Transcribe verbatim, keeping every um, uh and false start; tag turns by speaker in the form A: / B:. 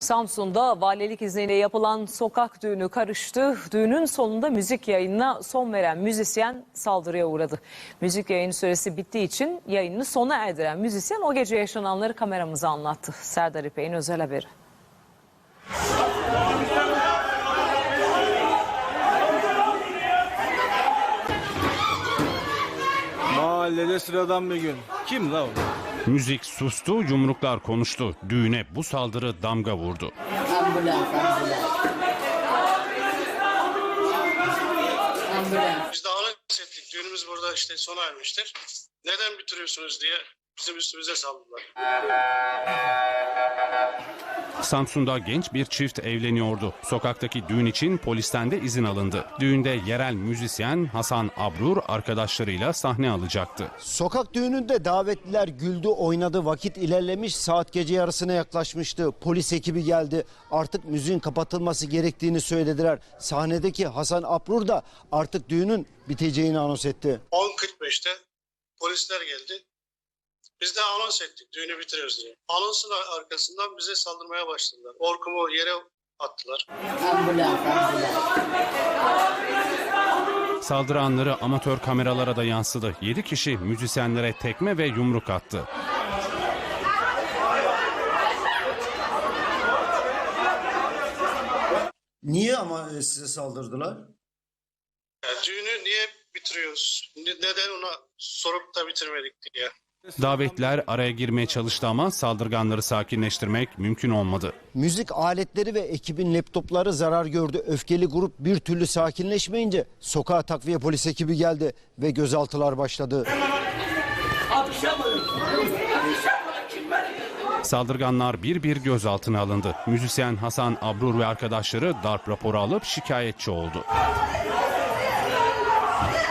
A: Samsun'da valilik izniyle yapılan sokak düğünü karıştı. Düğünün sonunda müzik yayınına son veren müzisyen saldırıya uğradı. Müzik yayını süresi bittiği için yayınını sona erdiren müzisyen o gece yaşananları kameramıza anlattı. Serdar İpek'in özel haberi.
B: Mahallede sıradan bir gün. Kim la o?
C: Müzik sustu, yumruklar konuştu. Düğüne bu saldırı damga vurdu.
D: Ambulans, ambulans. Ambulans.
E: Biz de anons ettik. Düğünümüz burada işte sona ermiştir. Neden bitiriyorsunuz diye bizim üstümüze saldırdılar.
C: Samsun'da genç bir çift evleniyordu. Sokaktaki düğün için polisten de izin alındı. Düğünde yerel müzisyen Hasan Abrur arkadaşlarıyla sahne alacaktı.
F: Sokak düğününde davetliler güldü, oynadı, vakit ilerlemiş, saat gece yarısına yaklaşmıştı. Polis ekibi geldi. Artık müziğin kapatılması gerektiğini söylediler. Sahnedeki Hasan Abrur da artık düğünün biteceğini anons etti.
E: on kırk beşte polisler geldi. Biz de anons ettik düğünü bitiriyoruz diye. Anonsun arkasından bize saldırmaya başladılar. Orkumu yere attılar.
D: Ambulans, ambulans.
C: Saldırı anları amatör kameralara da yansıdı. yedi kişi müzisyenlere tekme ve yumruk attı.
F: Niye ama size saldırdılar?
E: Yani düğünü niye bitiriyoruz? Neden ona sorup da bitirmedik diye.
C: Davetliler araya girmeye çalıştı ama saldırganları sakinleştirmek mümkün olmadı.
F: Müzik aletleri ve ekibin laptopları zarar gördü. Öfkeli grup bir türlü sakinleşmeyince sokağa takviye polis ekibi geldi ve gözaltılar başladı.
C: Saldırganlar bir bir gözaltına alındı. Müzisyen Hasan Abrur ve arkadaşları darp raporu alıp şikayetçi oldu.